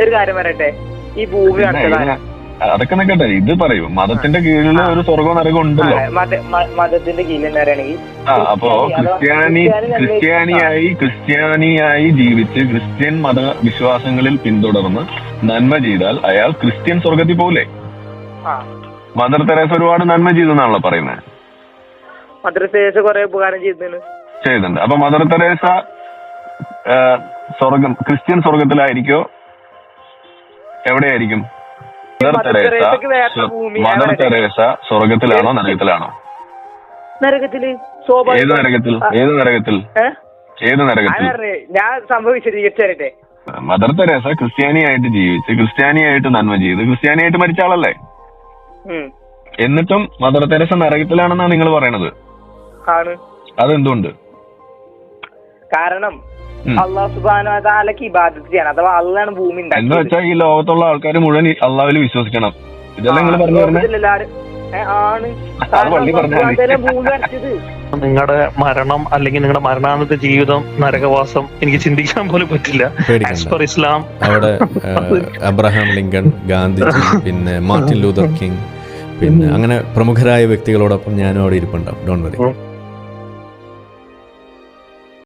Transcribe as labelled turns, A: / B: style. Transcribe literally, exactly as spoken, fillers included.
A: ഒരു കാര്യം പറയട്ടെ, ഈ ഭൂമി
B: അതൊക്കെ നിൽക്കട്ടെ, ഇത് പറയൂ. മതത്തിന്റെ കീഴിൽ ഒരു സ്വർഗവും നരകവും ഉണ്ടല്ലോ.
A: മതത്തിന്റെ കീഴിൽ എന്താ പറയുകയാണെങ്കിൽ
B: ആ അപ്പോ ക്രിസ്ത്യാനി ക്രിസ്ത്യാനിയായി ക്രിസ്ത്യാനിയായി ജീവിച്ച് ക്രിസ്ത്യൻ മത വിശ്വാസങ്ങളിൽ പിന്തുടർന്ന് നന്മ ചെയ്താൽ അയാൾ ക്രിസ്ത്യൻ സ്വർഗത്തിൽ പോലെ. മദർ തെരേസ ഒരുപാട് നന്മ ചെയ്തെന്നാണല്ലോ പറയുന്നത്.
A: മദർ തെരേസ കുറെ ഉപകാരം
B: ചെയ്തിട്ടുണ്ട്. അപ്പൊ മദർ തെരേസ സ്വർഗം ക്രിസ്ത്യൻ സ്വർഗത്തിലായിരിക്കോ എവിടെയായിരിക്കും? മദർ തെരേസ മദർ തെരേസ സ്വർഗത്തിലാണോ നരകത്തിലാണോ?
A: നരകത്തില്.
B: ഏത് നരകത്തിൽ? ഏത് നരകത്തിൽ? ഏത് നരകത്തിൽ?
A: ഞാൻ സംഭവം വിശദീകരിച്ചു തരട്ടെ.
B: മദർ തെരേസ ക്രിസ്ത്യാനിയായിട്ട് ജീവിച്ച് ക്രിസ്ത്യാനിയായിട്ട് നന്മ ചെയ്ത് ക്രിസ്ത്യാനിയായിട്ട് മരിച്ച ആളല്ലേ? എന്നിട്ടും മദർ തെരേസ നരകത്തിലാണെന്നാണ് നിങ്ങൾ പറയണത്. അതെന്തുകൊണ്ട്?
A: കാരണം അള്ളാഹു സുബ്ഹാനഹു വ തആലക്ക് ഇബാദത്ത് ചെയ്യണം. അഥവാ അള്ളാഹുവാണ് ഭൂമി ഉണ്ടാക്കിയത്
B: എന്ന് വെച്ചാൽ ഈ ലോകത്തുള്ള ആൾക്കാർ മുഴുവൻ അള്ളാഹുവിൽ വിശ്വസിക്കണം. ഇതെല്ലാം നിങ്ങൾ പറഞ്ഞു
A: ആണ്.
C: നിങ്ങളുടെ മരണം അല്ലെങ്കിൽ നിങ്ങളുടെ മരണാനന്തര ജീവിതം, നരകവാസം എനിക്ക് ചിന്തിക്കാൻ പോലും പറ്റില്ല. ആസ് പെർ ഇസ്ലാം
D: അവിടെ അബ്രഹാം ലിങ്കൺ, ഗാന്ധിജി, പിന്നെ മാർട്ടിൻ ലൂതർ കിങ്, പിന്നെ അങ്ങനെ പ്രമുഖരായ വ്യക്തികളോടൊപ്പം ഞാനും അവിടെ ഇരിപ്പുണ്ടാവും. Don't worry.